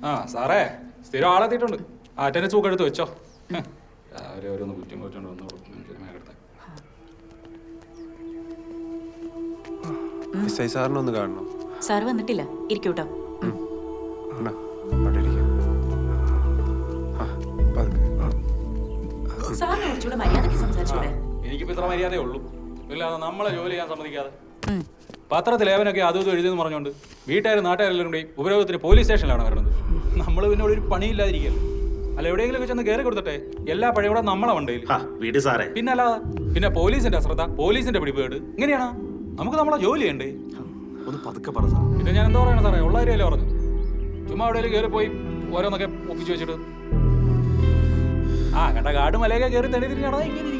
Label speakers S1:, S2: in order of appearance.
S1: ആ സാറേ സ്ഥിരം ആളെത്തിയിട്ടുണ്ട്. അറ്റൻഡൻസ് ബുക്ക് എടുത്ത് വെച്ചോ. രാവിലെ ഓരോന്ന് കുറ്റം കുറിച്ചോണ്ട് വന്നു
S2: സാറിനൊന്ന് കാണണം.
S3: സാർ വന്നിട്ടില്ല, ഇരിക്കൂട്ടോ. സാറിനെ കുറച്ചുകൂടെ മര്യാദയ്ക്ക് സംസാരിച്ചൂടെ?
S1: എനിക്കിപ്പോ ഇത്ര മര്യാദയേ ഉള്ളൂ. ഇല്ലാതെ നമ്മളെ ജോലി ചെയ്യാൻ സമ്മതിക്കാതെ പത്രത്തിൽ ലേവനൊക്കെ അതും ഇതും എഴുതിയെന്ന് പറഞ്ഞുകൊണ്ട് വീട്ടുകാരും നാട്ടുകാരെല്ലാം കൂടി ഉപരോധത്തിന് പോലീസ് സ്റ്റേഷനിലാണ് വരുന്നത്. നമ്മൾ പിന്നെ ഒരു പണിയില്ലാതിരിക്കല്ലോ. അല്ല എവിടെയെങ്കിലും ഒക്കെ ചെന്ന് കയറി കൊടുത്തട്ടെ. എല്ലാ പഴയോടെ നമ്മളെ വണ്ടയിൽ പിന്നെ അല്ലാതെ പിന്നെ പോലീസിന്റെ അശ്രദ്ധ, പോലീസിന്റെ പിടിപ്പേട് ഇങ്ങനെയാണോ? നമുക്ക് നമ്മളെ ജോലി ചെയ്യണ്ടേ? പിന്നെ ഞാൻ എന്താ പറയണ സാറേ, ഉള്ള കാര്യമല്ലേ പറഞ്ഞു. ചുമ്മാ എവിടെയെങ്കിലും കയറി പോയി ഓരോന്നൊക്കെ ഒപ്പിച്ചു വെച്ചിട്ട് കണ്ട കാട് മലയൊക്കെ കയറി തെളിതിരിഞ്ഞാണോ ഇങ്ങനെ